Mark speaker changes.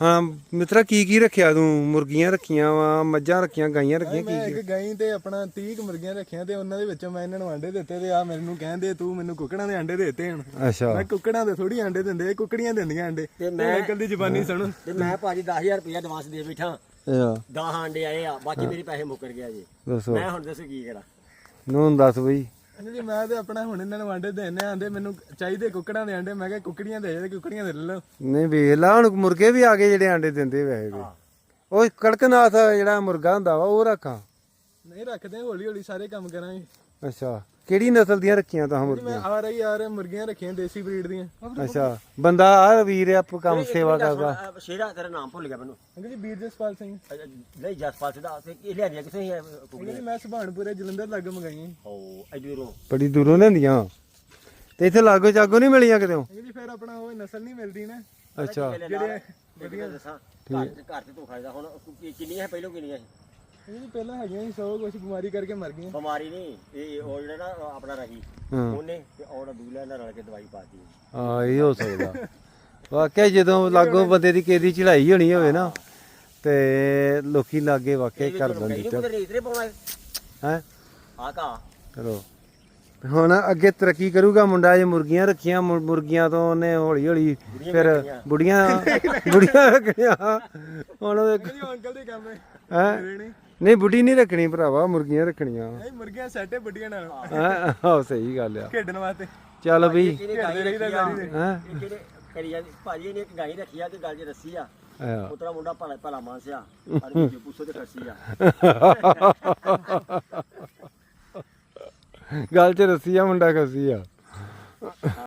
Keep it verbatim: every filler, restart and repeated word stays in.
Speaker 1: ਹਾਂ ਮਿੱਤਰਾ ਕੀ ਕੀ ਰੱਖਿਆ ਤੂੰ? ਮੁਰਗੀਆਂ ਰੱਖੀਆਂ ਵਾ, ਮੱਝਾਂ ਰੱਖੀਆਂ, ਗਾਈਆਂ ਰੱਖੀਆਂ,
Speaker 2: ਮੈਂ
Speaker 1: ਕੀ
Speaker 2: ਇੱਕ ਗਾਈ ਤੇ ਆਪਣਾ ਤੀਹ ਕੁ ਮੁਰਗੀਆਂ ਰੱਖੀਆਂ ਤੇ ਉਹਨਾਂ ਦੇ ਵਿੱਚੋਂ ਮੈਂ ਇਹਨਾਂ ਨੂੰ ਆਂਡੇ ਦਿੱਤੇ ਤੇ ਆ ਮੈਨੂੰ ਕਹਿੰਦੇ ਤੂੰ ਮੈਨੂੰ ਕੁੱਕੜਾਂ ਦੇ ਆਂਡੇ ਦੇਤੇ ਹੁਣ।
Speaker 1: ਅੱਛਾ
Speaker 2: ਮੈਂ ਕੁੱਕੜਾਂ ਦੇ ਥੋੜੀ ਆਂਡੇ ਦਿੰਦੇ, ਕੁੱਕੜੀਆਂ ਦਿੰਦੀਆਂ ਆਂਡੇ।
Speaker 3: ਤੇ ਮੈਂ
Speaker 2: ਅੰਕਲ ਦੀ ਜ਼ੁਬਾਨੀ ਸੁਣੋ।
Speaker 3: ਤੇ ਮੈਂ ਭਾਜੀ ਦਸ ਹਜ਼ਾਰ ਰੁਪਇਆ ਐਡਵਾਂਸ ਦੇ ਬੈਠਾ,
Speaker 1: ਅੱਛਾ
Speaker 3: ਦਸ ਆਂਡੇ ਆਏ ਆ, ਬਾਕੀ ਮੇਰੇ ਪੈਸੇ ਮੁੱਕਰ ਗਿਆ ਜੀ।
Speaker 1: ਦੱਸੋ
Speaker 3: ਮੈਂ ਹੁਣ ਦੱਸੋ ਕੀ ਕਰਾਂ?
Speaker 1: ਨੂੰ ਦੱਸ ਬਈ।
Speaker 2: ਜੀ ਮੈਂ ਤੇ ਆਪਣਾ ਹੁਣ ਇਹਨਾਂ ਨੂੰ ਆਂਡੇ ਦੇਣੇ ਆਂਦੇ, ਮੈਨੂੰ ਚਾਹੀਦੇ ਕੁੱਕੜਾਂ ਦੇ ਆਂਡੇ। ਮੈਂ ਕਿਹਾ ਕੁੱਕੜੀਆਂ ਦੇ ਜਾ, ਕੁੱਕੜੀਆਂ ਦੇ ਲੈ ਲਓ।
Speaker 1: ਨਹੀਂ ਵੇਖ ਲਾ ਹੁਣ ਮੁਰਗੇ ਵੀ ਆ ਗਏ ਜਿਹੜੇ ਆਂਡੇ ਦਿੰਦੇ ਵੈਸੇ ਵੀ। ਉਹ ਕੜਕਨਾਥ ਜਿਹੜਾ ਮੁਰਗਾ ਹੁੰਦਾ ਵਾ ਉਹ ਰੱਖਾਂ?
Speaker 2: ਨਹੀਂ ਰੱਖਦੇ, ਹੌਲੀ ਹੌਲੀ ਸਾਰੇ ਕੰਮ ਕਰਾਂਗੇ।
Speaker 1: ਅੱਛਾ ਕਿਹੜੀ ਨਸਲ ਦੀਆਂ ਰੱਖੀਆਂ ਤਾਂ
Speaker 2: ਮੈਂ
Speaker 1: ਮੁਰਗੀਆਂ?
Speaker 2: ਆ ਰਹੀ ਯਾਰ ਮੁਰਗੀਆਂ ਰੱਖੀਆਂ ਦੇਸੀ ਬਰੀਡ ਦੀਆਂ।
Speaker 1: ਅੱਛਾ ਬੰਦਾ ਆ ਵੀਰ ਆਪ ਕੰਮ ਸੇਵਾ ਕਰਦਾ।
Speaker 3: ਅਹ ਸ਼ੇਰਾ ਤੇਰਾ ਨਾਮ ਭੁੱਲ ਗਿਆ ਮੈਨੂੰ।
Speaker 2: ਅੰਕਲ ਜੀ ਵੀਰ ਜਸਪਾਲ ਸਿੰਘ।
Speaker 3: ਅਹ ਨਹੀਂ ਜਸਪਾਲ ਸਿੰਘ ਦਾ ਤੇ ਇਹ ਲਿਆਂਦੀਆਂ ਕਿੱਥੇ ਸੀ
Speaker 2: ਅੰਕਲ
Speaker 3: ਕੁਕੜੀਆਂ?
Speaker 2: ਜੀ ਮੈਂ ਸੁਭਾਨਪੁਰੇ ਜਲੰਧਰ ਲੱਗ ਮੰਗਾਈਆਂ।
Speaker 3: ਓ ਐਡੂਰੋਂ
Speaker 1: ਬੜੀ ਦੂਰੋਂ ਲੈਂਦੀਆਂ ਤੇ ਇੱਥੇ ਲਾਗੋ ਚਾਗੋ ਨਹੀਂ ਮਿਲੀਆਂ ਕਿਤੇ?
Speaker 2: ਅੰਕਲ ਜੀ ਫਿਰ ਆਪਣਾ ਉਹ ਨਸਲ ਨਹੀਂ ਮਿਲਦੀ ਨਾ।
Speaker 1: ਅੱਛਾ
Speaker 3: ਜਿਹੜੇ ਵਧੀਆ ਦੱਸਾਂ ਘਰ ਤੇ ਘਰ ਤੇ ਤੂੰ ਖਾਇਦਾ ਹੁਣ ਕਿ- ਕਿੰਨੀਆਂ ਹੈ ਪਹਿਲੋਂ ਕਿੰਨੀਆਂ ਸੀ?
Speaker 2: ਅੰਕਲ ਜੀ ਪਹਿਲਾਂ ਹੈਗੀਆਂ ਸੀ ਸੌ, ਕੁਛ ਬਿਮਾਰੀ ਕਰਕੇ ਮਰ ਗਈਆਂ।
Speaker 3: ਬਿਮਾਰੀ ਨਹੀਂ ਇਹ ਉਹ ਜਿਹੜਾ ਨਾ ਆਪਣਾ ਰਹੀ
Speaker 1: ਹਾਂ
Speaker 3: ਉਹਨੇ ਤੇ ਔਰ ਦੂਲਾ ਨਾਲ ਰਲ ਕੇ ਦਵਾਈ ਪਾਤੀ।
Speaker 1: ਹਾਂ ਇਹ ਹੋ ਸਕਦਾ ਵਾਕਿਆ ਜਦੋਂ ਲਾਗੋ ਬੰਦੇ ਦੀ ਕਿਸੇ ਦੀ ਚੜਾਈ ਹੋਣੀ ਹੋਵੇ ਨਾ ਤੇ ਲੋਕੀ ਲਾਗੇ ਵਾਕਿਆ ਹੀ ਕਰ ਦਿੰਦੇ
Speaker 3: ਇਹਨੂੰ ਕਿਤੇ ਰੇਤਰੇ ਪਾਉਣਾ
Speaker 1: ਹੈ।
Speaker 3: ਆ ਕਾ
Speaker 1: ਚਲੋ ਹੁਣ ਅੱਗੇ ਤਰੱਕੀ ਕਰੂਗਾ ਮੁੰਡਾ। ਜੇ ਮੁਰਗੀਆਂ ਰੱਖੀਆਂ, ਮੁਰ- ਮੁਰਗੀਆਂ ਤੋਂ ਉਹਨੇ ਹੌਲੀ ਹੌਲੀ ਫਿਰ ਬੁੜੀਆਂ ਬੁੜੀਆਂ ਰੱਖਣੀਆਂ। ਹੁਣ ਉਹਦੇ
Speaker 2: ਅੰਕਲ ਜੀ ਉਹ ਅੰਕਲ ਦੇ ਕੰਮ ਹੈ।
Speaker 1: ਹੈਂ?
Speaker 2: ਮੇਰੇ ਨਹੀਂ
Speaker 1: ਨਹੀਂ ਬੁੱਢੀ ਨਹੀਂ ਰੱਖਣੀ ਭਰਾਵਾ, ਮੁਰਗੀਆਂ ਰੱਖਣੀਆਂ।
Speaker 2: ਨਹੀਂ ਮੁਰਗੀਆਂ ਸੈੱਟ ਹੈ ਵੱਡੀਆਂ ਨਾਲ
Speaker 1: ਹੈਂ? ਆਹੋ ਸਹੀ ਗੱਲ ਆ।
Speaker 2: ਖੇਡਣ ਵਾਸਤੇ।
Speaker 1: ਚੱਲ ਬਈ
Speaker 3: ਇਹਨੇ ਗਾਈ ਰੱਖੀ ਆ
Speaker 1: ਹੈਂ?
Speaker 3: ਇਹ ਕਿਹੜੇ ਕਰੀ ਜਾਂਦੀ ਭਾਜੀ ਨੇ ਇੱਕ ਗਾਈ ਰੱਖੀ ਆ ਤੇ ਗੱਲ 'ਚ ਰੱਸੀ ਆ।
Speaker 1: ਆਹ।
Speaker 3: ਉਤਰਾ ਮੁੰਡਾ ਭਲਾ ਭਲਾ ਮਾਨਸਿਆ ਪਰ ਵਿੱਚੋਂ ਪੁੱਛੋ ਤੇ ਖਰਸੀ ਆ।
Speaker 1: ਗੱਲ ਚ ਰੱਸੀ ਆ ਮੁੰਡਾ ਖੱਸੀ ਆ।